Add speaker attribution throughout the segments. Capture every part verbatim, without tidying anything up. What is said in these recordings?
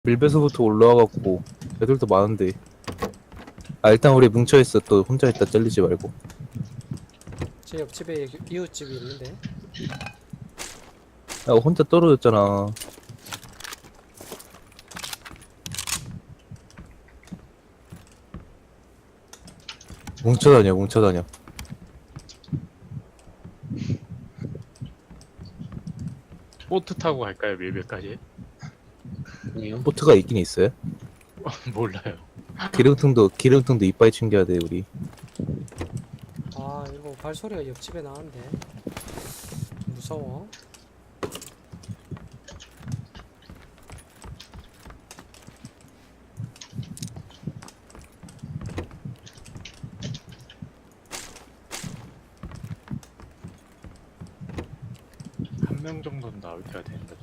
Speaker 1: 밀배서부터 올라와갖고 애들도 많은데. 아 일단 우리 뭉쳐있어. 또 혼자 있다 잘리지 말고.
Speaker 2: 제 옆집에 이웃집이 있는데.
Speaker 1: 야 혼자 떨어졌잖아. 뭉쳐다녀 뭉쳐다녀.
Speaker 3: 보트 타고 갈까요, 밀배까지?
Speaker 4: 아니요.
Speaker 1: 보트가 있긴 있어요.
Speaker 3: 몰라요.
Speaker 1: 기름통도 기름통도 이빠이 챙겨야 돼 우리.
Speaker 2: 아 이거 발소리가 옆집에 나는데 무서워.
Speaker 3: 한 명 정도는 나올때가 되는데.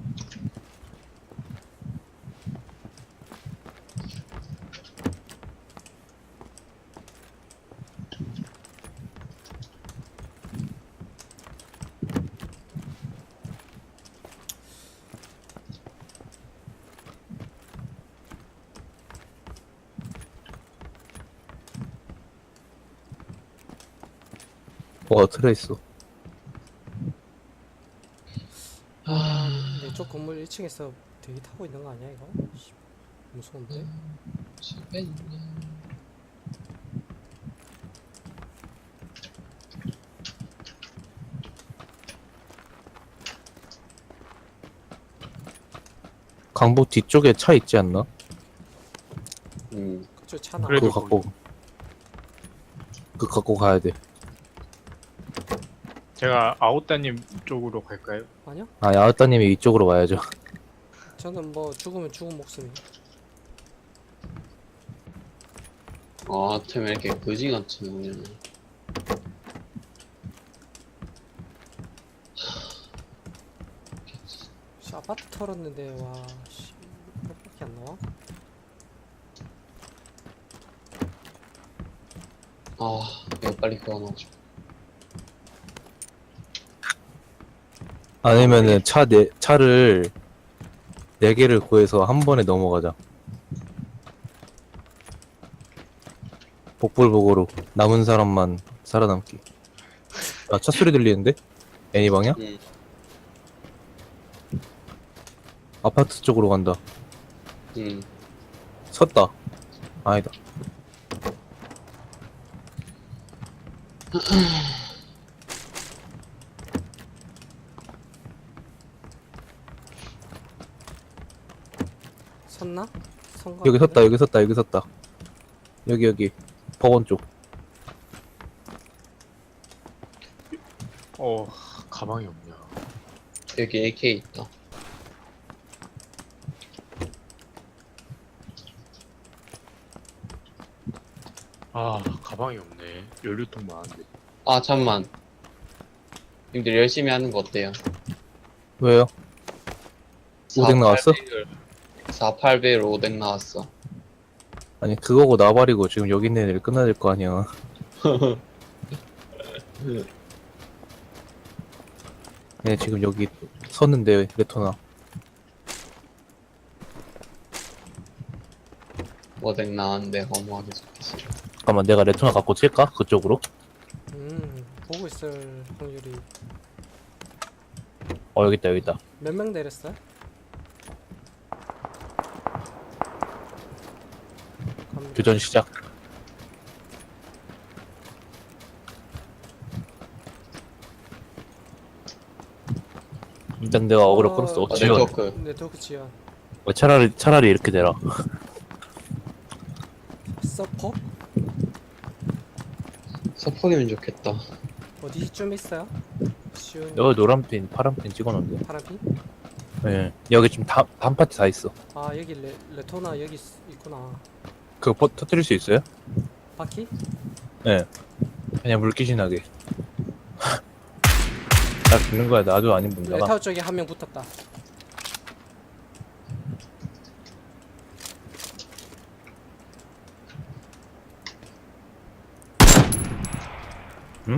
Speaker 1: 와 트레이스.
Speaker 4: 아,
Speaker 2: 내 쪽 건물 일 층에서 대기 타고 있는 거 아니야 이거? 씨, 무서운데?
Speaker 4: 집에 있네.
Speaker 1: 강북 뒤쪽에 차 있지 않나?
Speaker 4: 음,
Speaker 2: 그쪽 차나.
Speaker 3: 그래도
Speaker 1: 그거 갖고 그거 갖고 가야 돼.
Speaker 3: 제가 아웃다님 쪽으로 갈까요?
Speaker 2: 아니요?
Speaker 1: 아 야우따님이 이쪽으로 와야죠.
Speaker 2: 저는 뭐 죽으면 죽은 목숨이.
Speaker 4: 아, 템 왜 이렇게 거지같이 나오냐.
Speaker 2: 씨, 아파트 털었는데 와 씨, 몇밖에 안 나와?
Speaker 4: 아, 이거 빨리 교환하죠.
Speaker 1: 아니면은 차 네 차를 네 개를 구해서 한 번에 넘어가자. 복불복으로 남은 사람만 살아남기. 아 차 소리 들리는데? 애니 방향?
Speaker 4: 음,
Speaker 1: 아파트 쪽으로 간다.
Speaker 4: 음.
Speaker 1: 섰다. 아니다.
Speaker 2: 섰나? 선거
Speaker 1: 여기 섰다. 여기 섰다. 여기 섰다. 여기 여기 법원 쪽.
Speaker 3: 어, 가방이 없냐.
Speaker 4: 여기 에이케이 있다.
Speaker 3: 아, 가방이 없네. 연료통 많은데.
Speaker 4: 아, 잠만. 님들 열심히 하는 거 어때요?
Speaker 1: 왜요? 오뎅 나왔어?
Speaker 4: 사, 팔 배율 오뎅 나왔어.
Speaker 1: 아니 그거고 나발이고 지금 여기 있는 애들 끝나야 될 거 아니야. 얘 지금 여기 섰는데 레토나.
Speaker 4: 오뎅 나왔는데 허무하게 좋겠어.
Speaker 1: 잠깐만 내가 레토나 갖고 칠까? 그쪽으로?
Speaker 2: 음 보고 있을 확률이.
Speaker 1: 어 여기 있다 여기 있다.
Speaker 2: 몇 명 내렸어? 갑니다.
Speaker 1: 교전 시작. 일단 내가 어그로
Speaker 2: 어,
Speaker 1: 끌었어. 어,
Speaker 4: 아,
Speaker 1: 지원.
Speaker 4: 네트워크.
Speaker 2: 네트워크 지연.
Speaker 1: 어, 차라리 차라리 이렇게 되라.
Speaker 2: 서퍼?
Speaker 4: 서포기면 좋겠다.
Speaker 2: 어디쯤 있어요? 쉬운
Speaker 1: 여기 노란 핀, 파란 핀 찍어놓은데.
Speaker 2: 파란핀?
Speaker 1: 예. 여기 지금 다, 단 파티 다 있어.
Speaker 2: 아 여기 레, 레토나 여기 있, 있구나.
Speaker 1: 그거 퍼, 터뜨릴 수 있어요?
Speaker 2: 바퀴?
Speaker 1: 예. 그냥 물귀신 하게. 나 죽는 거야. 나도 아닌 문제가.
Speaker 2: 레타워 쪽에 한 명 붙었다.
Speaker 1: 응?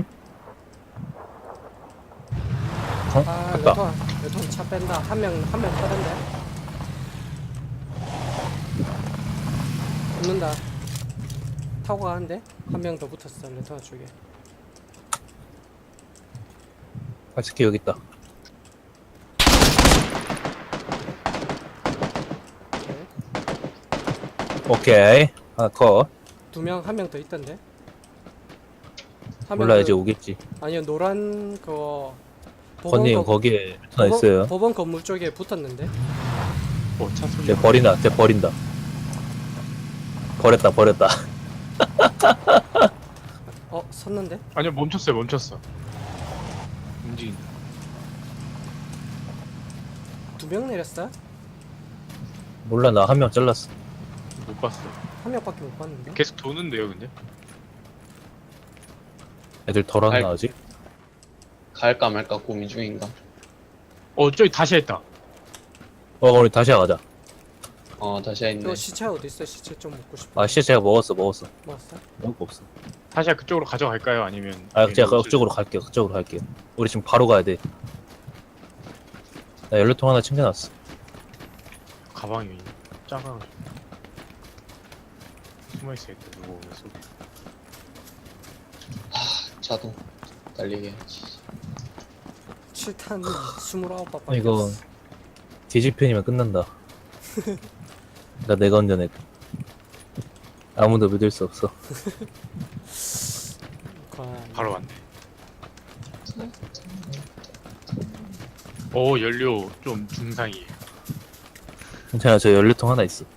Speaker 1: 어?
Speaker 2: 아
Speaker 1: 갔다.
Speaker 2: 레토나 레토나 차 뺀다. 한 명 한 명 빼던데. 붙는다. 타고 가는데 한 명 더 붙었어 레토나 쪽에.
Speaker 1: 발스키 여기 있다.
Speaker 2: 오케이.
Speaker 1: 오케이. 하나 컷.
Speaker 2: 두 명 한 명 더 있던데. 한
Speaker 1: 몰라
Speaker 2: 명
Speaker 1: 이제
Speaker 2: 그-
Speaker 1: 오겠지.
Speaker 2: 아니요 노란 그거 법원
Speaker 1: 건님
Speaker 2: 거-
Speaker 1: 거기에 하나
Speaker 2: 법원-
Speaker 1: 있어요.
Speaker 2: 법원 건물 쪽에 붙었는데.
Speaker 3: 어, 차 소리.
Speaker 1: 쟤 버린다. 쟤 버린다. 버렸다 버렸다.
Speaker 2: 어 섰는데?
Speaker 3: 아니요, 멈췄어요, 멈췄어. 움직인.
Speaker 2: 두 명 내렸어?
Speaker 1: 몰라 나 한 명 잘랐어.
Speaker 3: 못 봤어.
Speaker 2: 한 명밖에 못 봤는데.
Speaker 3: 계속 도는데요, 근데?
Speaker 1: 애들 덜 왔나
Speaker 4: 아이.
Speaker 1: 아직?
Speaker 4: 갈까 말까 고민 중인가.
Speaker 3: 어, 저기 다시 했다.
Speaker 1: 어 우리 다시 가자.
Speaker 4: 어 다시 했네.
Speaker 2: 이거 시체 어디 있어? 시체 좀 먹고 싶어.
Speaker 1: 아 진짜 제가 먹었어 먹었어.
Speaker 2: 먹었어?
Speaker 1: 먹을 거 없어.
Speaker 3: 다시 그쪽으로 가져갈까요? 아니면.
Speaker 1: 아 제가
Speaker 3: 여기
Speaker 1: 그쪽으로 갈게요. 그쪽으로 갈게요. 우리 지금 바로 가야 돼. 나 연료통 하나 챙겨놨어.
Speaker 3: 가방이 작아가지고. 숨어있어야겠다, 누구 오면 쏘고.
Speaker 4: 자동 달리게 해야지.
Speaker 2: 칠 탄 스물아홉 바밖에
Speaker 1: 이거
Speaker 2: 없어.
Speaker 1: 뒤집편이면 끝난다. 나 내가 운전해. 아무도 믿을 수 없어.
Speaker 2: 관-
Speaker 3: 바로 왔네. 오, 연료 좀 중상이에요.
Speaker 1: 괜찮아 저 연료통 하나 있어.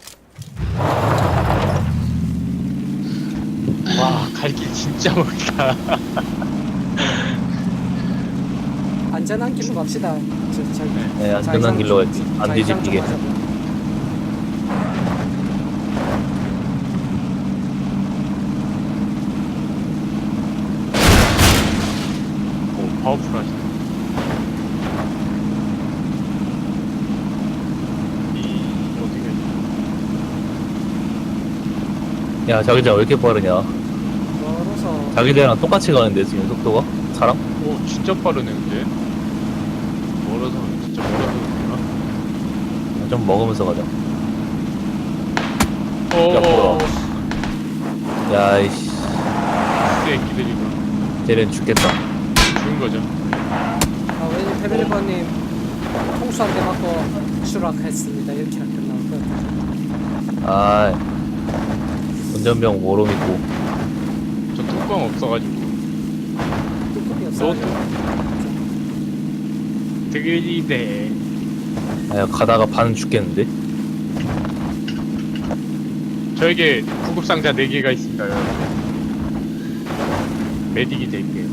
Speaker 3: 와, 갈 길 진짜 멀다.
Speaker 2: 안전한 길로 갑시다. 저, 저,
Speaker 1: 네 안전한 길로 갈게. 안 뒤집히게.
Speaker 3: 오, 파워풀하시네. 이, 어떻게.
Speaker 1: 야 자기장 왜 이렇게 빠르냐?
Speaker 2: 멀어서
Speaker 1: 자기들이랑 똑같이 가는데 지금 속도가? 사람?
Speaker 3: 오, 진짜 빠르네, 근데. 멀어서, 진짜 멀어서 그런가?
Speaker 1: 좀 먹으면서 가자.
Speaker 3: 오,
Speaker 1: 뭐야. 야이씨
Speaker 3: 쎄, 기다리고.
Speaker 1: 쟤는 죽겠다.
Speaker 3: 죽은 거죠.
Speaker 2: 아 왠지 페벨리버님 통수 한 대 맞고 추락했습니다. 이렇게 끝나올 것 같아요.
Speaker 1: 아 운전병 모름 있고.
Speaker 3: 저 뚜껑 없어가지고.
Speaker 2: 뚜껑이 없어.
Speaker 3: 너 드글리네.
Speaker 1: 아 가다가 반은 죽겠는데?
Speaker 3: 저에게 구급상자 네 개가 있습니다, 여러분. 메딕이 될게요.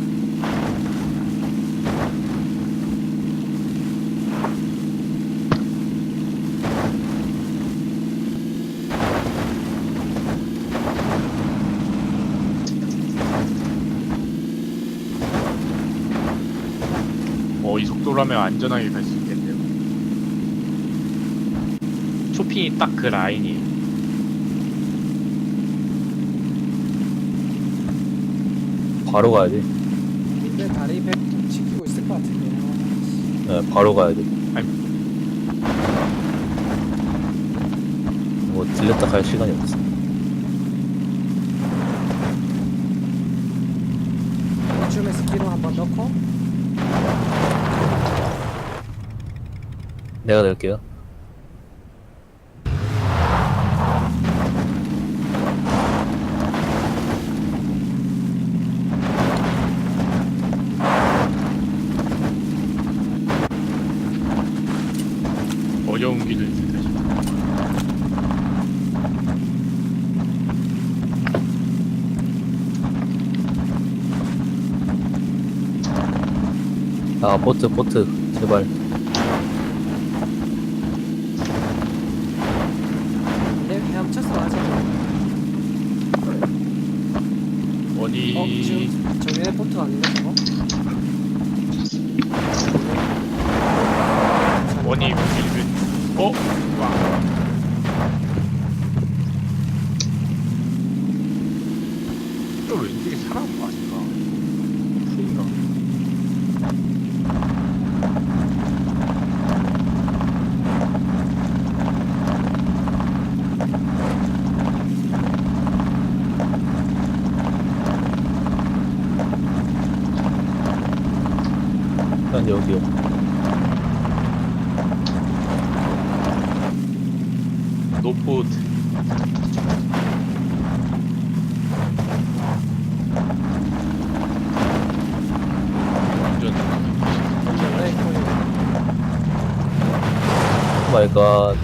Speaker 3: 어, 이 속도라면 안전하게 갈 수 있겠네요. 쇼핑이 딱 그 라인이에요.
Speaker 1: 바로 가야 돼.
Speaker 2: 근데 다리 배 지키고 있을 것 같은데.
Speaker 1: 네, 바로 가야 돼.
Speaker 3: 아니.
Speaker 1: 뭐 들렸다 갈 시간이 없어.
Speaker 2: 이쯤에서 기름 한번 넣고
Speaker 1: 내가 낼게요.
Speaker 3: 어려운 길을 택하시고.
Speaker 1: 아 보트 보트 제발.
Speaker 2: 내 헤엄쳐서 가자.
Speaker 3: 원이
Speaker 2: 어 지금 정연의 보트 아닌가 저거?
Speaker 3: 원이 길을 어? 와. 또 왼쪽에 사람 아닌가? 풀인가?
Speaker 1: 난 여기요.
Speaker 3: 노포트. 완전
Speaker 2: 네, 거의.
Speaker 1: 오 마이 갓.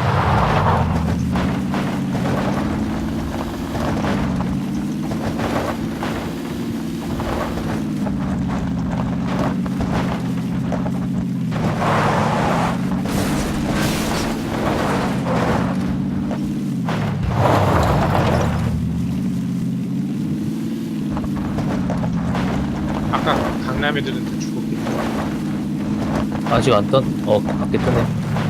Speaker 3: 아까 강남 애들은 다 죽었겠지.
Speaker 1: 아직 안 떴, 어, 밖에 뜨네.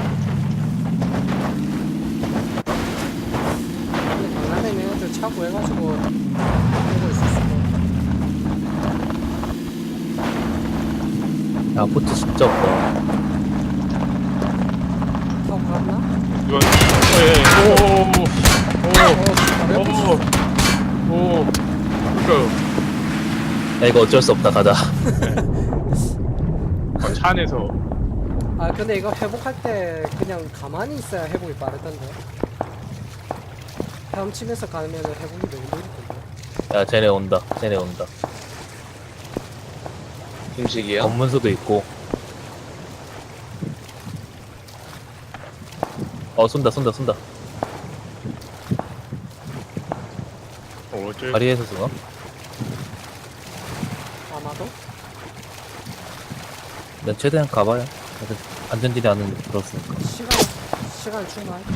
Speaker 2: 근데 강남에 있는 애들 차 구해가지고 오고 있었어.
Speaker 1: 야, 포트 진짜 없다.
Speaker 2: 타고 갔나?
Speaker 3: 이건 어예
Speaker 2: 어,
Speaker 3: 오오오오 오. 그러니까
Speaker 1: 야, 이거 어쩔 수 없다, 가자.
Speaker 3: 어, 차 안에서
Speaker 2: 아 근데 이거 회복할 때 그냥 가만히 있어야 회복이 빠르던데. 헤엄치면서 가면 회복이 너무 느리던데.
Speaker 1: 야, 쟤네 온다. 쟤네 온다.
Speaker 4: 음식이요?
Speaker 1: 검문소도 있고. 어, 쏜다, 쏜다, 쏜다.
Speaker 3: 어, 어쩔
Speaker 1: 다리에서 쏘나?
Speaker 2: 아마도?
Speaker 1: 난 최대한 가봐야. 안전지대 안은 들었으니까.
Speaker 2: 시간 시간 충분할까?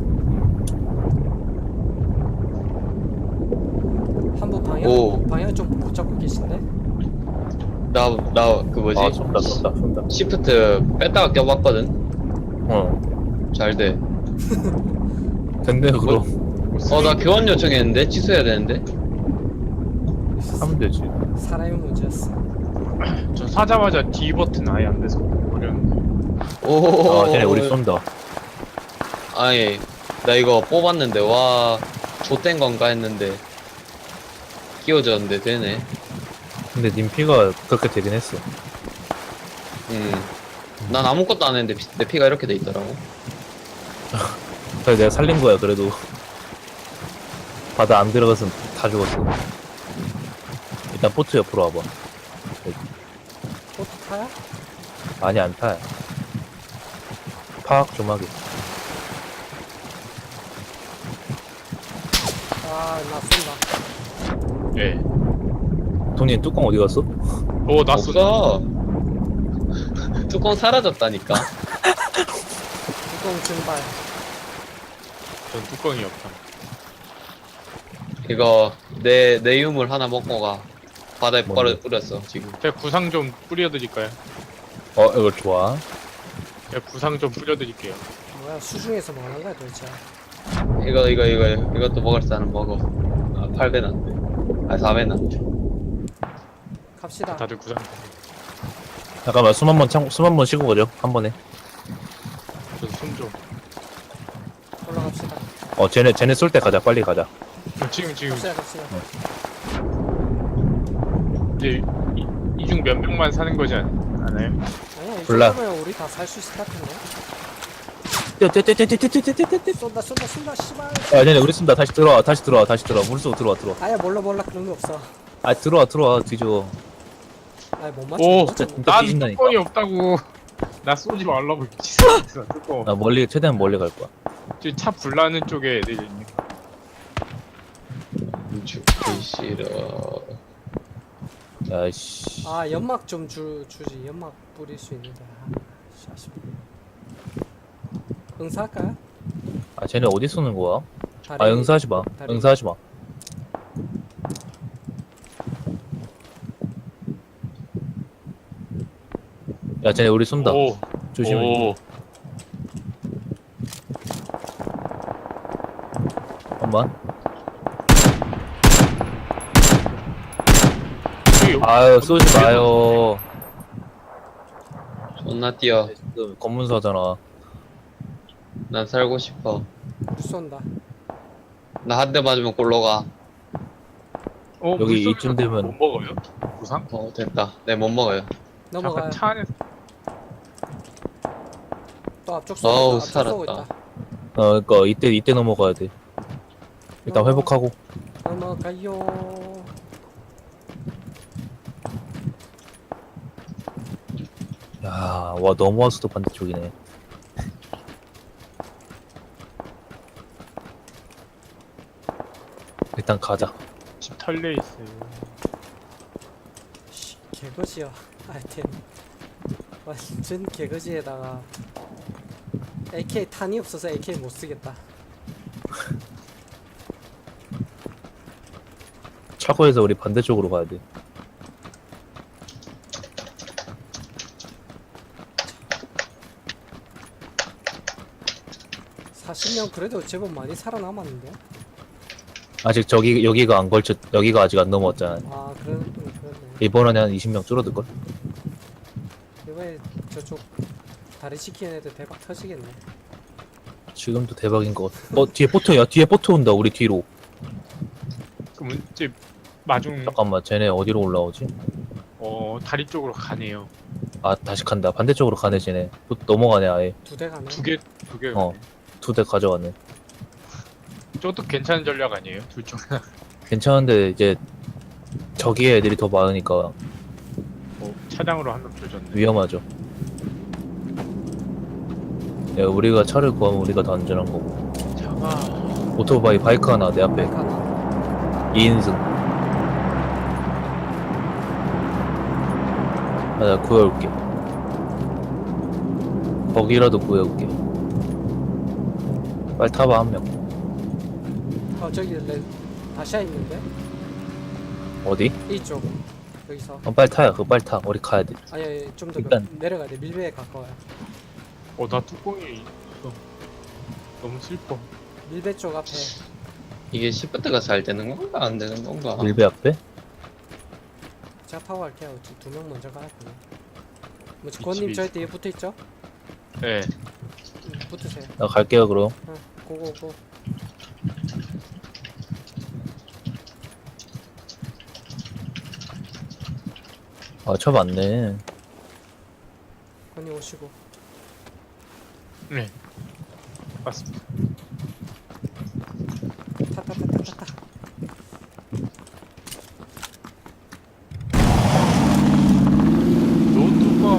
Speaker 2: 한번 방향
Speaker 4: 오.
Speaker 2: 방향 좀 못 잡고 계신데?
Speaker 4: 나, 나, 그 뭐지?
Speaker 1: 아, 쏜다, 쏜다, 쏜다.
Speaker 4: 시프트 뺐다가 껴봤거든?
Speaker 1: 어.
Speaker 4: 잘 돼.
Speaker 1: 됐네요, 그럼.
Speaker 4: 어, 나 교환 요청했는데? 취소해야 되는데?
Speaker 1: 하면 되지.
Speaker 2: 사람의 문제였어.
Speaker 3: 전 사자마자 D 버튼 아예 안 돼서 버렸는데.
Speaker 4: 오,
Speaker 1: 아, 쟤네 우리 쏜다.
Speaker 4: 아니, 나 이거 뽑았는데, 와, 좆된 건가 했는데, 끼워졌는데, 되네.
Speaker 1: 근데 님 피가 그렇게 되긴 했어.
Speaker 4: 음. 난 아무것도 안 했는데, 피- 내 피가 이렇게 돼 있더라고.
Speaker 1: 그래서 내가 살린 거야, 그래도. 바다 안 들어갔으면 다 죽었어. 일단 포트 옆으로 와봐.
Speaker 2: 보트 타야?
Speaker 1: 아니, 안 타. 파악 좀 하게.
Speaker 2: 아나 쏜다.
Speaker 3: 예.
Speaker 1: 돈님 뚜껑 어디 갔어?
Speaker 3: 오, 나 쏜다.
Speaker 4: 없어. 뚜껑 사라졌다니까.
Speaker 2: 뚜껑 증발.
Speaker 3: 전 뚜껑이 없다.
Speaker 4: 이거, 내, 내 유물 하나 먹고 가. 바다에
Speaker 1: 뭔데?
Speaker 4: 버려, 뿌렸어, 지금.
Speaker 3: 제가 구상 좀 뿌려드릴까요?
Speaker 1: 어, 이거 좋아.
Speaker 3: 제가 구상 좀 뿌려드릴게요.
Speaker 2: 뭐야 수중에서 뭐 하는 거야 도대체?
Speaker 4: 이거, 이거, 이거, 이것도 먹을 사람 먹어. 아, 팔 배는 안 돼. 아, 사 배는 안 돼.
Speaker 2: 갑시다.
Speaker 3: 다들 구상.
Speaker 1: 잠깐만, 숨 한 번 참, 숨 한 번 쉬고 가죠. 한 번에.
Speaker 3: 전숨 좀.
Speaker 2: 올라갑시다.
Speaker 1: 어, 쟤네, 쟤네 쏠 때 가자. 빨리 가자.
Speaker 3: 어, 지금 지금
Speaker 2: 갑시다 갑시다.
Speaker 3: 이제 이중 몇 명만 사는 거지 않- 않아요?
Speaker 2: 아니야 이
Speaker 1: 몰라.
Speaker 2: 정도면 우리 다 살 수 있을 것 같은데.
Speaker 1: 뛰어, 뛰어, 뛰어, 뛰어, 뛰어, 뛰어, 뛰어, 뛰어.
Speaker 2: 쏜다 쏜다 쏜다 씨발.
Speaker 1: 야, 쟤네 우리 쏜다. 다시 들어와, 다시 들어와, 다시 들어와. 물속 들어와, 들어와.
Speaker 2: 아야 몰라 몰라 그런 거 없어.
Speaker 1: 아, 들어와, 들어와. 뒤져.
Speaker 2: 아이 못 맞춰
Speaker 3: 오,
Speaker 2: 못 맞춰.
Speaker 1: 진짜
Speaker 3: 난
Speaker 1: 뒤진다니까.
Speaker 3: 뚜껑이 없다고. 나 쏘지 말라고 미치겠어. 뚜껑.
Speaker 1: 나 멀리, 최대한 멀리 갈 거야.
Speaker 3: 저기 차 불나는 쪽에 애들 있네.
Speaker 4: 죽기 싫어.
Speaker 1: 야, 씨.
Speaker 2: 아 연막 좀 주, 주지. 연막 뿌릴 수 있는데. 아, 씨, 아쉽네. 응사할까요?
Speaker 1: 아, 쟤네 어디 쏘는 거야?
Speaker 2: 다리,
Speaker 1: 아, 응사하지 마.
Speaker 2: 다리.
Speaker 1: 응사하지 마. 야, 쟤네 우리 쏜다.
Speaker 3: 오,
Speaker 1: 조심해.
Speaker 3: 오,
Speaker 1: 잠깐만.
Speaker 3: 저기
Speaker 1: 아유, 쏘지 마요.
Speaker 4: 존나 뛰어.
Speaker 1: 지금 검문소잖아.
Speaker 4: 난 살고 싶어.
Speaker 2: 우리 쏜다.
Speaker 4: 나 한 대 맞으면 골로 가.
Speaker 3: 어,
Speaker 1: 여기
Speaker 3: 물소리가
Speaker 1: 이쯤 되면-
Speaker 3: 못 먹어요? 구상?
Speaker 4: 어, 됐다. 네, 못 먹어요.
Speaker 2: 넘어가요.
Speaker 3: 잠깐 차 안에서
Speaker 2: 앞쪽 쏘고
Speaker 4: 어우,
Speaker 2: 있다. 앞쪽 쏘고
Speaker 4: 살았다.
Speaker 2: 있다.
Speaker 1: 어 그니까 이때 이때 넘어가야 돼. 일단
Speaker 2: 넘어-
Speaker 1: 회복하고.
Speaker 2: 넘어가요.
Speaker 1: 야와 넘어와서도 반대쪽이네. 일단 가자.
Speaker 3: 집 털려 있어요.
Speaker 2: 씨, 개거지야. 아이템. 완전 개거지에다가 에이케이 탄이 없어서 에이케이 못 쓰겠다.
Speaker 1: 차고에서 우리 반대쪽으로 가야 돼.
Speaker 2: 사십 명 그래도 제법 많이 살아남았는데.
Speaker 1: 아직 저기 여기가 안 걸쳐 여기가 아직 안 넘어왔잖아.
Speaker 2: 아 그런 음, 그렇네.
Speaker 1: 이번에 한 이십 명 줄어들 걸.
Speaker 2: 이번에 저쪽 다리 지키는 애들 대박 터지겠네.
Speaker 1: 지금도 대박인 것 같아. 어 뒤에 보트야. 뒤에 보트 온다. 우리 뒤로.
Speaker 3: 그럼 이제 마중
Speaker 1: 잠깐만 쟤네 어디로 올라오지?
Speaker 3: 어 다리 쪽으로 가네요.
Speaker 1: 아 다시 간다. 반대쪽으로 가네 쟤네. 또 넘어가네 아예.
Speaker 2: 두 대 가네.
Speaker 3: 두 개 두 개.
Speaker 1: 어. 두 대 가져가네.
Speaker 3: 저것도 괜찮은 전략 아니에요? 둘 중 하나.
Speaker 1: 괜찮은데 이제 저기에 애들이 더 많으니까
Speaker 3: 어, 차량으로 한 명 조졌네.
Speaker 1: 위험하죠. 야, 우리가 차를 구하면 우리가 더 안전한 거고.
Speaker 3: 차가
Speaker 1: 오토바이 바이크 하나 내 앞에
Speaker 2: 가나.
Speaker 1: 이 인승. 아, 나 구해올게. 거기라도 구해올게. 빨리 타봐 한 명.
Speaker 2: 어 저기 레 다시아 있는데
Speaker 1: 어디?
Speaker 2: 이쪽 여기서.
Speaker 1: 어, 빨리 타야. 그거 빨리 타. 우리 가야 돼.
Speaker 2: 아니 아니 좀 더
Speaker 1: 일단-
Speaker 2: 내려가야 돼. 밀배에 가까워요.
Speaker 3: 어 나 뚜껑이 있어. 너무 슬퍼.
Speaker 2: 밀배 쪽 앞에.
Speaker 4: 이게 시프트가 잘 되는 건가 안 되는 건가?
Speaker 1: 밀배 앞에?
Speaker 2: 제가 타고 갈게요. 두 명 먼저 가라고요. 뭐지?
Speaker 3: 이
Speaker 2: 권님
Speaker 3: 집이
Speaker 2: 저희 뒤에 붙어 있죠?
Speaker 3: 네.
Speaker 2: 응, 붙으세요.
Speaker 1: 나 갈게요 그럼.
Speaker 2: 응, 고고고.
Speaker 1: 아, 차 맞네.
Speaker 2: 권님 오시고.
Speaker 3: 네. 맞습니다.
Speaker 2: 타타타타타타.
Speaker 3: 노트북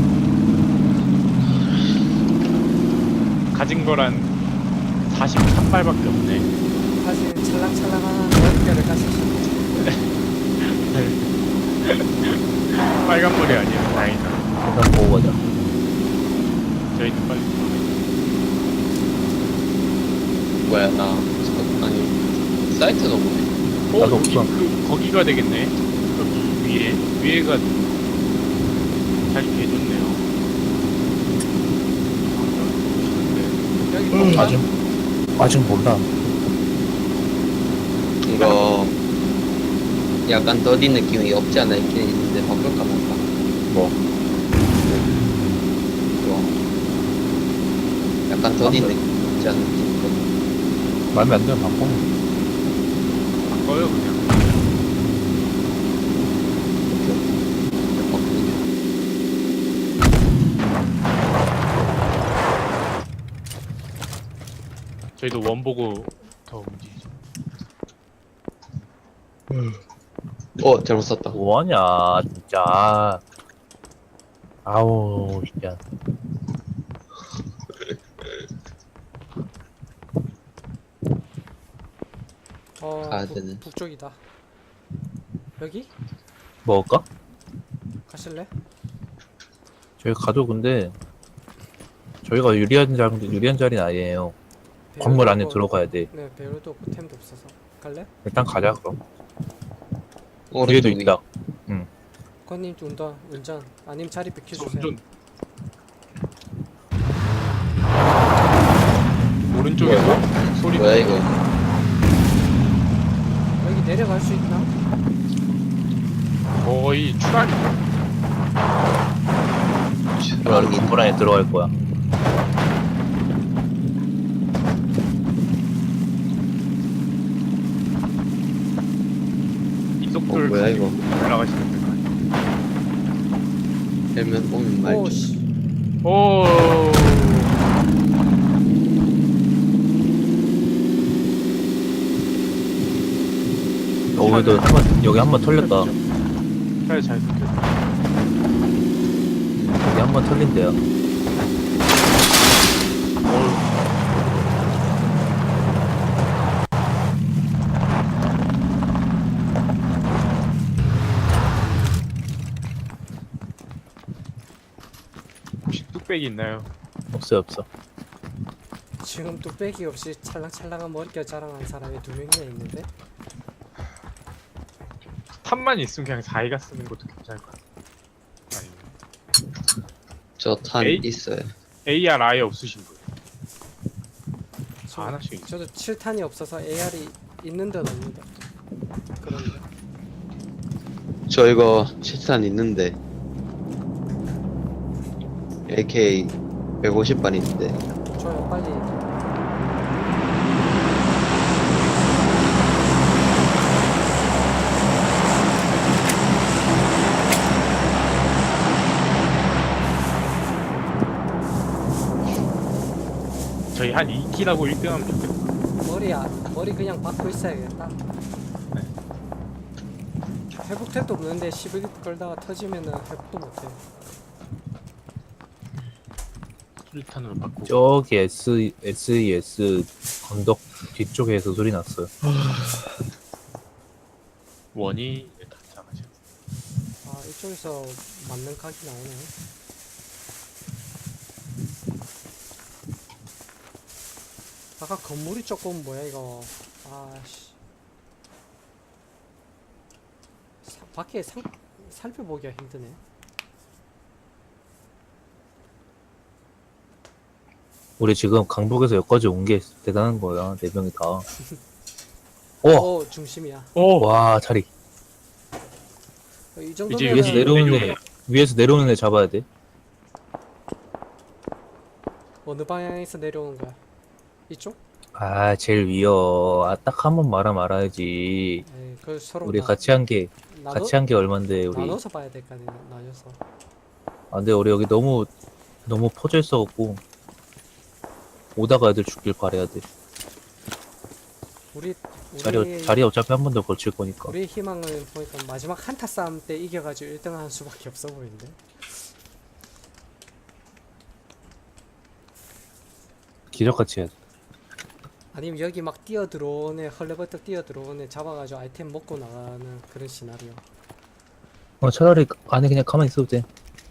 Speaker 3: 가진 거란 사십삼 발밖에 없네.
Speaker 2: 사실 찰랑찰랑한 월결을 가시죠.
Speaker 3: 빨간 머리 아니에요. 다행이다.
Speaker 1: 일단 보고 가자.
Speaker 3: 저희는 빨리.
Speaker 4: 뭐야 나 저- 아니 사이트가 뭐네?
Speaker 3: 어
Speaker 1: 나도
Speaker 3: 여기
Speaker 1: 없어.
Speaker 3: 그 거기가 되겠네. 여기 위에 위에가 잘 개좋네요.
Speaker 2: 여기
Speaker 1: 음,
Speaker 2: 볼까?
Speaker 1: 아직 아직 몰라.
Speaker 4: 이거 약간 더디 느낌이 없지 않아 있긴 있는데 바꿀까 말까?
Speaker 1: 뭐?
Speaker 4: 이거 약간 더디 느낌 없지 않아 있긴 있거든.
Speaker 1: 마음에 안 들면 바꿔.
Speaker 3: 바꿔요 그냥.
Speaker 4: 바꾸는 게.
Speaker 3: 저희도 원 보고 더 움직이죠.
Speaker 4: 어 잘못 썼다.
Speaker 1: 뭐하냐 진짜. 아우 진짜.
Speaker 2: 어,
Speaker 4: 가야
Speaker 2: 북,
Speaker 4: 되네.
Speaker 2: 북쪽이다. 여기?
Speaker 1: 먹을까?
Speaker 2: 가실래?
Speaker 1: 저희 가도 근데 저희가 유리한 자 유리한 자리는 아니에요. 건물 안에
Speaker 2: 배율도
Speaker 1: 들어가야
Speaker 2: 없고-
Speaker 1: 돼.
Speaker 2: 네, 배율도 없고 템도 없어서. 갈래?
Speaker 1: 일단 가자 그럼. 뒤에도
Speaker 4: 오른쪽 위.
Speaker 1: 있다.
Speaker 2: 권님 운전, 운전. 아님 자리 비켜주세요.
Speaker 3: 운전. 오른쪽에서 소리.
Speaker 4: 뭐야 이거?
Speaker 2: 여기 내려갈 수 있나?
Speaker 3: 거의 추락이.
Speaker 1: 나 건물 안에 들어갈 거야.
Speaker 3: 이
Speaker 4: 어
Speaker 3: 속도를
Speaker 4: 뭐야 이거?
Speaker 3: 올라가시면 될 것 같아요.
Speaker 4: 헬멧 오면 말죠.
Speaker 2: 오씨.
Speaker 3: 오.
Speaker 1: 여기도 한번 여기 한 번 털렸다.
Speaker 3: 차에 잘 섞였다.
Speaker 1: 여기 한 번 털린대요.
Speaker 3: 어우. 혹시 뚝배기 있나요?
Speaker 1: 없어요 없어.
Speaker 2: 지금 뚝배기 없이 찰랑찰랑한 머릿결 자랑한 사람이 두 명이나 있는데
Speaker 3: 탑만 있으면 그냥 자기가 쓰는 것도 괜찮을 것 같아. 아니면
Speaker 4: 저 탄
Speaker 3: 에이?
Speaker 4: 있어요.
Speaker 3: 에이알 아예 없으신 분.
Speaker 2: 저,
Speaker 3: 아, 하나씩 있-
Speaker 2: 저도 칠 탄이 없어서 에이알이 있는 듯 없는 듯 그런데
Speaker 4: 저 이거 칠탄 있는데 에이케이 백오십 발 있는데
Speaker 2: 줘요 빨리.
Speaker 3: 저희 한 이 킬하고 일 등 하면 좋겠다.
Speaker 2: 머리야 머리 그냥 박고 있어야겠다. 회복템도 없는데 십일 끌다가 터지면은 회복도 못해.
Speaker 3: 수류탄으로 바꾸고.
Speaker 1: 저기 S 에스이에스 언덕 뒤쪽에서 소리 났어요.
Speaker 3: 원이 다 잡아죠.
Speaker 2: 아 이쪽에서 맞는 각이 나오네. 아까 건물이 조금 뭐야 이거. 아씨. 사- 밖에 상, 살펴보기가 힘드네.
Speaker 1: 우리 지금 강북에서 여기까지 온 게 대단한 거야. 네 명이 다. 오!
Speaker 2: 어 중심이야.
Speaker 3: 오!
Speaker 1: 와 자리.
Speaker 2: 이
Speaker 3: 이제
Speaker 2: 정도면
Speaker 1: 위에서
Speaker 3: 네,
Speaker 1: 내려오는
Speaker 3: 내려오네.
Speaker 1: 애 위에서 내려오는 애 잡아야 돼.
Speaker 2: 어느 방향에서 내려오는 거야? 이쪽?
Speaker 1: 아 제일 위여. 아, 딱 한 번 말아 말아야지.
Speaker 2: 에이, 그 서로
Speaker 1: 우리
Speaker 2: 나-
Speaker 1: 같이 한 게
Speaker 2: 나눠,
Speaker 1: 같이 한 게 얼만데 우리.
Speaker 2: 나눠서 봐야 될 거 아니야. 나눠서.
Speaker 1: 아 근데 우리 여기 너무 너무 퍼져 있어갖고 오다가 애들 죽길 바래야 돼.
Speaker 2: 우리
Speaker 1: 자리
Speaker 2: 우리
Speaker 1: 자리 어차피 한 번 더 걸칠 거니까.
Speaker 2: 우리의 희망을 보니까 마지막 한타 싸움 때 이겨가지고 일 등 하는 수밖에 없어 보이는데.
Speaker 1: 기적같이 해야 돼.
Speaker 2: 아니면 여기 막 뛰어 들어오네 헐레벌떡 뛰어 들어오네 잡아가지고 아이템 먹고 나가는 그런 시나리오.
Speaker 1: 어 차라리 안에 그냥 가만히 있어도 돼.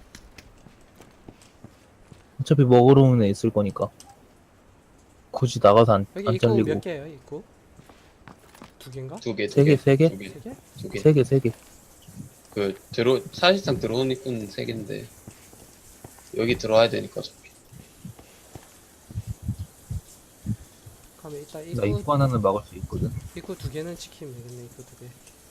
Speaker 1: 어차피 먹으러 오는 애 있을 거니까. 굳이 나가서 안,
Speaker 2: 여기
Speaker 1: 안
Speaker 2: 입구
Speaker 1: 잘리고.
Speaker 2: 몇 개예요? 입구? 두 개인가?
Speaker 4: 두 개,
Speaker 1: 세 개, 세 개?
Speaker 4: 두 개,
Speaker 2: 세 개?
Speaker 4: 두 개.
Speaker 1: 세 개, 세 개.
Speaker 4: 그 들어 사실상 들어온 입구는 세 개인데 여기 들어와야 되니까 어차피.
Speaker 2: 그러면 이따
Speaker 1: 나
Speaker 2: 입구
Speaker 1: 입구 하나는 막을 수 있거든.
Speaker 2: 입구 두 개는 지키면 되겠네. 입구 두 개.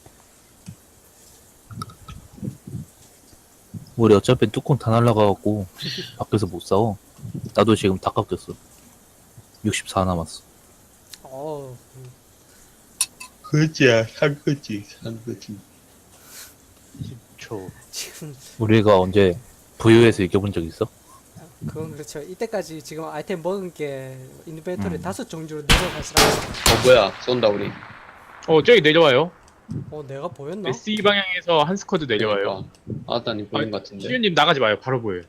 Speaker 1: 우리 어차피 뚜껑 다 날라가갖고 밖에서 못 싸워. 나도 지금 다 깎였어. 육십사 남았어.
Speaker 2: 어, 음,
Speaker 4: 그지야, 산 거지, 산 거지.
Speaker 3: 십 초.
Speaker 2: 지금
Speaker 1: 우리가 언제 브이오에서 이겨본 적 있어?
Speaker 2: 그건 그렇죠. 이때까지 지금 아이템 먹은 게 인벤토리
Speaker 1: 음.
Speaker 2: 다섯 종류로 내려가시라.
Speaker 4: 어 뭐야, 쏜다 우리.
Speaker 3: 어, 저기 내려와요.
Speaker 2: 어, 내가 보였나?
Speaker 3: 에스이 방향에서 한 스쿼드 내려와요.
Speaker 4: 아따님 보인 것 같은데.
Speaker 3: 시윤님 나가지 마요. 바로 보여요.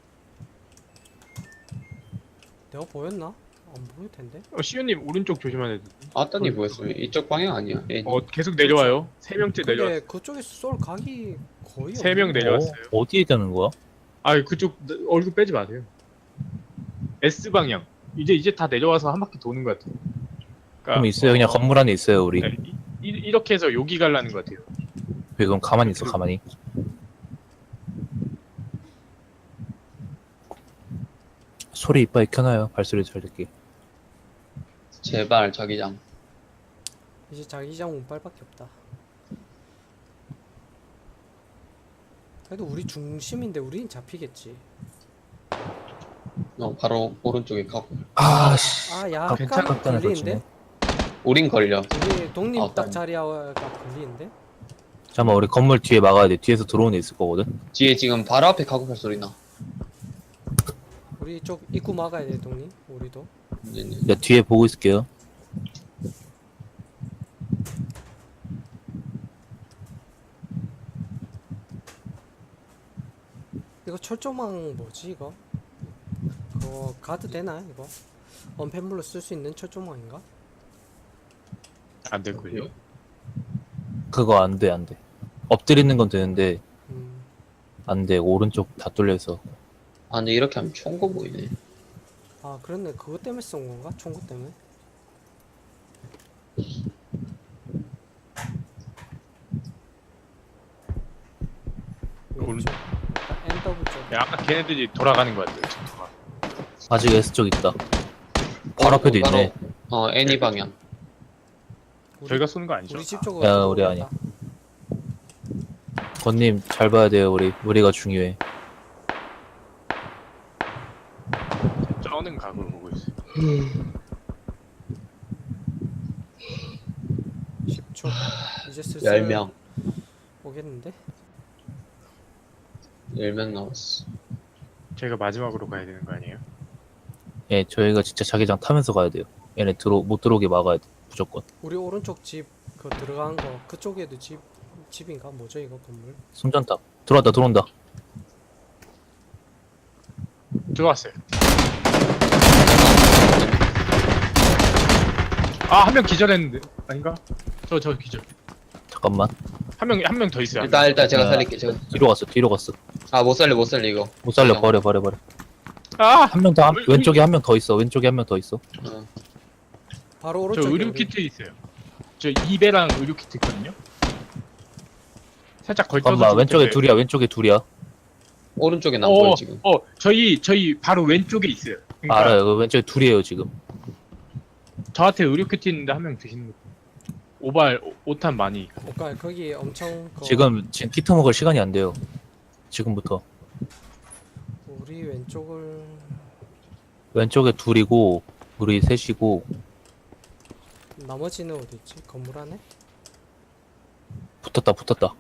Speaker 2: 내가 보였나? 안 보일 텐데.
Speaker 3: 어, 시윤님 오른쪽 조심하야 돼.
Speaker 4: 아따님 보였으면 이쪽 방향 아니야. 예.
Speaker 3: 어, 계속 내려와요. 세 명째
Speaker 2: 근데
Speaker 3: 내려왔어요.
Speaker 2: 그쪽에서 쏠 각이 거의
Speaker 3: 세 명
Speaker 2: 없는데?
Speaker 3: 내려왔어요.
Speaker 1: 어, 어디에 있다는 거야?
Speaker 3: 아, 그쪽 얼굴 빼지 마세요. S 방향. 이제 이제 다 내려와서 한 바퀴 도는 것 같아요. 그러니까,
Speaker 1: 그럼 있어요. 그냥
Speaker 3: 어,
Speaker 1: 건물 안에 있어요, 우리.
Speaker 3: 네, 이, 이- 이렇게 해서 여기 가려는 것 같아요.
Speaker 1: 왜 그럼 가만히 있어, 가만히. 소리 이빨 켜놔요. 발소리 잘 듣게.
Speaker 4: 제발 자기장.
Speaker 2: 이제 자기장 운빨밖에 없다. 그래도 우리 중심인데 우린 잡히겠지.
Speaker 4: 어 바로 오른쪽에 가고.
Speaker 1: 아, 씨.
Speaker 2: 아 약간
Speaker 3: 괜찮아.
Speaker 2: 걸리는데?
Speaker 4: 우린 걸려.
Speaker 2: 우리 독립
Speaker 4: 아,
Speaker 2: 딱
Speaker 4: 아니.
Speaker 2: 자리가 걸리는데?
Speaker 1: 잠깐만, 우리 건물 뒤에 막아야 돼. 뒤에서 들어오는 애 있을 거거든.
Speaker 4: 뒤에 지금 바로 앞에 가고팔 소리 나.
Speaker 2: 우리 쪽 입구 막아야 돼 독립. 우리도.
Speaker 4: 이제 이제.
Speaker 1: 내가 뒤에 보고 있을게요.
Speaker 2: 철조망 뭐지 이거? 그거 가드 되나 이거? 언패물로 쓸 수 있는 철조망인가?
Speaker 3: 안 될걸요?
Speaker 1: 그거 안 돼, 안 돼. 엎드리는 건 되는데,
Speaker 2: 음,
Speaker 1: 안 돼. 오른쪽 다 뚫려있어.
Speaker 4: 아 근데 이렇게 하면 총거 보이네.
Speaker 2: 아 그렇네. 그것 때문에 쏜 건가? 총구 때문에?
Speaker 3: 오른-
Speaker 2: 왼쪽 엔더블 쪽.
Speaker 3: 야, 아까 걔네들이 돌아가는 거 같아요. 지금 돌아.
Speaker 1: 아직 S쪽 있다. 바로 앞에도
Speaker 4: 바로,
Speaker 1: 있네.
Speaker 4: 어 애니 방향.
Speaker 2: 우리,
Speaker 3: 저희가 쏘는 거 아니죠?
Speaker 2: 우리 집 쪽으로.
Speaker 1: 야, 우리
Speaker 2: 들어온다.
Speaker 1: 건님, 잘 봐야 돼요, 우리. 우리가 중요해.
Speaker 3: 쩌는 각으로 보고 있어요.
Speaker 2: 십 초. 이제 슬슬
Speaker 4: 열 명.
Speaker 2: 오겠는데?
Speaker 4: 열 명 남았어.
Speaker 3: 저희가 마지막으로 가야 되는 거 아니에요?
Speaker 1: 예, 저희가 진짜 자기장 타면서 가야 돼요. 얘네 들어, 못 들어오게 막아야 돼. 무조건.
Speaker 2: 우리 오른쪽 집 그 들어간 거 그쪽에도 집 집인가 뭐죠 이거 건물?
Speaker 1: 손전탑. 들어왔다, 들어온다.
Speaker 3: 들어왔어요. 아, 한 명 기절했는데. 아닌가? 저, 저 기절.
Speaker 1: 잠깐만.
Speaker 3: 한 명, 한 명 더 있어요. 한
Speaker 4: 일단 일단 제가
Speaker 1: 아.
Speaker 4: 살릴게. 제가.
Speaker 1: 뒤로 갔어, 뒤로 갔어.
Speaker 4: 아 못 살려 못 살려 이거.
Speaker 1: 못 살려,
Speaker 4: 그냥.
Speaker 1: 버려, 버려, 버려.
Speaker 3: 명. 아!
Speaker 1: 한 명 더, 한-
Speaker 3: 의-
Speaker 1: 왼쪽에 한 명 더 있어. 왼쪽에 한 명 더 있어.
Speaker 4: 어.
Speaker 2: 바로
Speaker 3: 저
Speaker 2: 오른쪽에
Speaker 3: 의료
Speaker 2: 우리-
Speaker 3: 키트 있어요. 저 이배랑 의료 키트 있거든요. 살짝 걸쳐서.
Speaker 1: 잠깐만,
Speaker 3: 좀
Speaker 1: 왼쪽에
Speaker 3: 보세요.
Speaker 1: 둘이야, 왼쪽에 둘이야.
Speaker 4: 오른쪽에 안
Speaker 3: 어,
Speaker 4: 보여 지금.
Speaker 3: 어, 저희 저희 바로 왼쪽에 있어요. 그러니까
Speaker 1: 알아요, 그 왼쪽에 둘이에요, 지금.
Speaker 3: 저한테 의료 키트 있는데 한 명 드시는 거. 오발 오- 오탄 많이. 있고.
Speaker 2: 그러니까 거기 엄청 그
Speaker 1: 지금, 지금 키트 먹을 시간이 안 돼요. 지금부터.
Speaker 2: 우리 왼쪽을
Speaker 1: 왼쪽에 둘이고, 우리 셋이고,
Speaker 2: 나머지는 어디 있지? 건물 안에?
Speaker 1: 붙었다, 붙었다.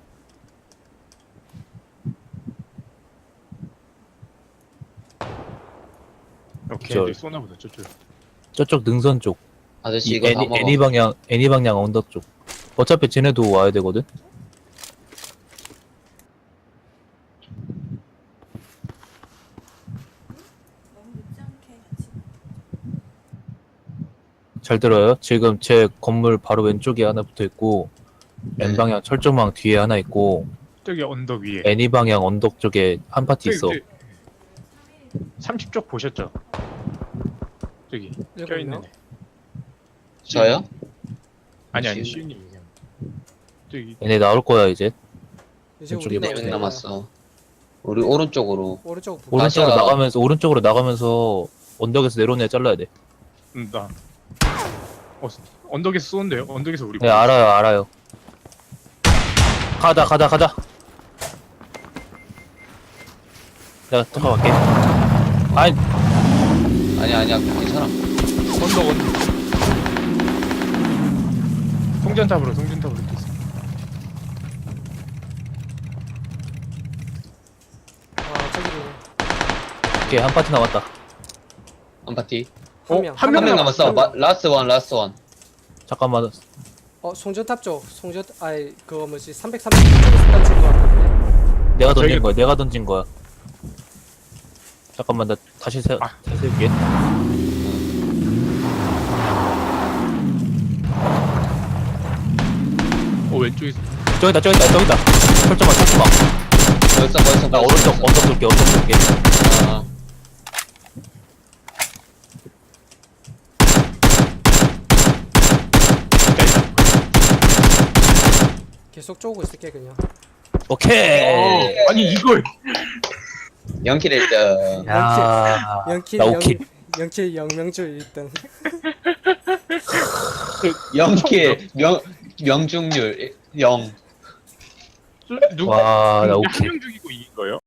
Speaker 3: 오케이,
Speaker 1: 저-
Speaker 3: 이제 쏘나 보다 저쪽.
Speaker 1: 저쪽 능선 쪽.
Speaker 4: 아저씨
Speaker 1: 이
Speaker 4: 이거 다
Speaker 1: 애니,
Speaker 4: 먹어.
Speaker 1: 애니 방향, 애니 방향 언덕 쪽. 어차피 쟤네도 와야 되거든? 잘 들어요? 지금 제 건물 바로 왼쪽에 하나 붙어 있고,
Speaker 4: 네.
Speaker 1: N 방향 철조망 뒤에 하나 있고,
Speaker 3: 저기 언덕 위에.
Speaker 1: 애니 방향 언덕 쪽에 한 파티 있어.
Speaker 3: 삼십 쪽 보셨죠? 저기
Speaker 2: 일곱
Speaker 3: 껴있는
Speaker 2: 명?
Speaker 3: 애.
Speaker 4: 저요?
Speaker 3: 아니 아니
Speaker 4: 지금-
Speaker 3: 시윤님 얘기하는 거. 저기
Speaker 1: 얘네 나올 거야, 이제.
Speaker 2: 이제
Speaker 1: 왼쪽에
Speaker 2: 우리는
Speaker 1: 네
Speaker 4: 네
Speaker 2: 어디로
Speaker 4: 명
Speaker 2: 가요?
Speaker 4: 남았어. 우리 오른쪽으로.
Speaker 2: 오른쪽 북
Speaker 1: 오른쪽으로
Speaker 4: 다시야.
Speaker 1: 나가면서, 오른쪽으로 나가면서 언덕에서 내려오는 애 잘라야 돼.
Speaker 3: 음, 나 어, 언덕에서 쏘는데요? 언덕에서 우리
Speaker 1: 네, 알아요, 알아요. 가다, 가다, 가다. 내가 들어갈게. 아이,
Speaker 4: 아니야 아니야 괜찮아.
Speaker 3: 언덕 언덕 송전탑으로 송전탑으로 이렇게 있어.
Speaker 2: 아 저기
Speaker 1: 오케이, 한 파티 남았다.
Speaker 4: 한 파티.
Speaker 3: 어?
Speaker 2: 한 명.
Speaker 3: 한
Speaker 4: 한
Speaker 3: 명
Speaker 4: 명
Speaker 3: 남-
Speaker 4: 남았어. 마, 라스트 원 라스트 원.
Speaker 1: 잠깐만.
Speaker 2: 어 송전탑 쪽 송전 아이 그거 뭐지 삼백삼십 쪽에서 던진 거 같은데.
Speaker 1: 내가 던진
Speaker 3: 저희가-
Speaker 1: 거야, 내가 던진 거야. 잠깐만, 나 다시 세,
Speaker 3: 아.
Speaker 1: 다시 세울게.
Speaker 3: 어 왼쪽에서
Speaker 1: 저기다, 저기다, 저기다. 철조망, 철조망.
Speaker 4: 벌써 벌써
Speaker 1: 나
Speaker 4: 벌써,
Speaker 1: 오른쪽,
Speaker 4: 벌써.
Speaker 1: 언덕 돌게, 언덕 돌게.
Speaker 4: 아,
Speaker 2: 계속 쪼고 있을게 그냥.
Speaker 1: 오케이.
Speaker 3: 어, 아니 이걸
Speaker 4: 영킬 일 등.
Speaker 1: 야,
Speaker 2: 영킬
Speaker 1: 나
Speaker 2: 영
Speaker 1: 오킬.
Speaker 2: 영킬 영명주 일 등.
Speaker 4: 영킬 명 명중률 영.
Speaker 3: 누구
Speaker 1: 와, 나
Speaker 3: 한
Speaker 1: 오킬.
Speaker 3: 명 죽이고 이긴 거예요?